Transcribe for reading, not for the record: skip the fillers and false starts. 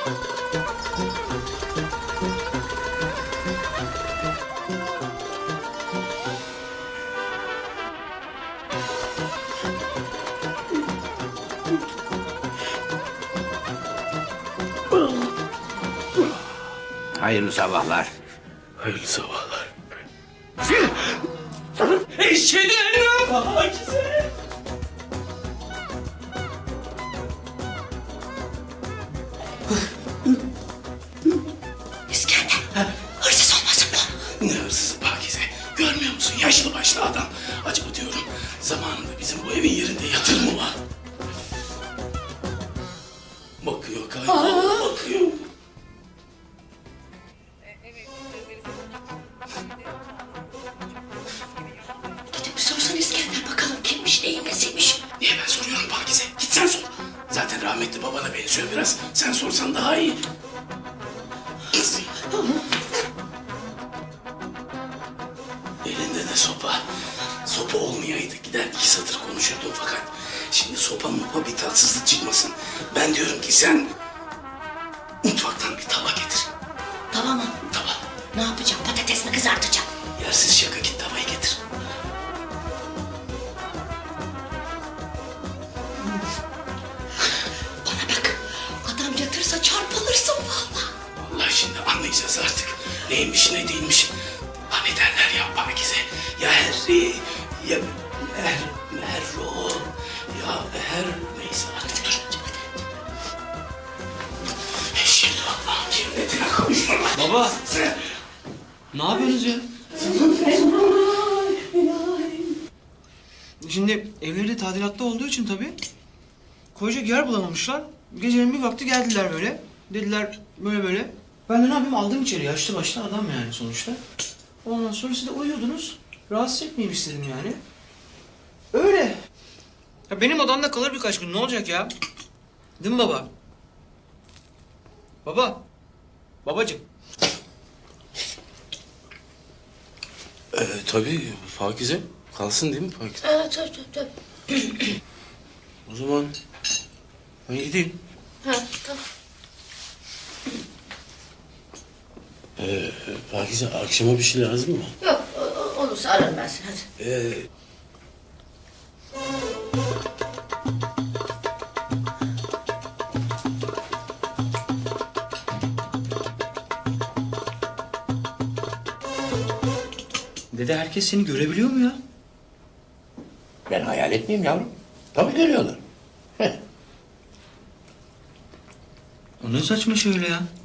Hayırlı sabahlar. Hayırlı sabahlar. Eşhedü en la Pakize. İskender, hırsız olmasın bu? Ne hırsızı Pakize? Görmüyor musun? Yaşlı başlı adam. Acaba diyorum zamanında bizim bu evin yerinde yatır mı var? Bakıyor galiba. Bakıyor. Gidip sorsan İskender bakalım kimmiş neyin nesiymiş. Niye ben soruyorum Pakize? Git sen sor. Zaten rahmetli babana benziyor biraz. Sen sorsan daha iyi. Elinde de sopa. Sopa olmayaydı gider iki satır konuşurdum fakat şimdi sopa mopa bir tatsızlık çıkmasın. Ben diyorum ki sen mutfaktan bir tava getir. Tamam mı? Tava. Ne yapacağım? Patates mi kızartacağım? Yersiz şaka git tavayı getir. Bana bak. Adam yatırsa çarpılırsın vallahi. Vallahi şimdi anlayacağız artık. Neymiş ne değilmiş. Hani derler ya Pakize. Ya Herri ya Merro ya her neyse artık dur. Şimdi Allah'ın cennetine kavuşma. Baba, ne yapıyorsunuz ya? Şimdi evleri tadilatta olduğu için tabii koyacak yer bulamamışlar. Gecenin bir vakti geldiler böyle. Dediler böyle böyle. Ben de ne yapayım aldım içeri yaşlı başlı adam yani sonuçta. Ondan sonra siz de uyuyordunuz. Rahatsız etmeyeyim istedim yani. Öyle. Ya benim odamda kalır birkaç gün ne olacak ya? Değil mi baba? Baba. Babacığım. Tabii Pakize. Kalsın değil mi Pakize? Evet, tabii. O zaman ben gideyim. Ha, tamam. Pakize akşama bir şey lazım mı? Yok, olursa ararım ben seni hadi. Dede herkes seni görebiliyor mu ya? Ben hayal etmeyeyim yavrum. Tabii görüyorlar. O ne saçma şey öyle ya?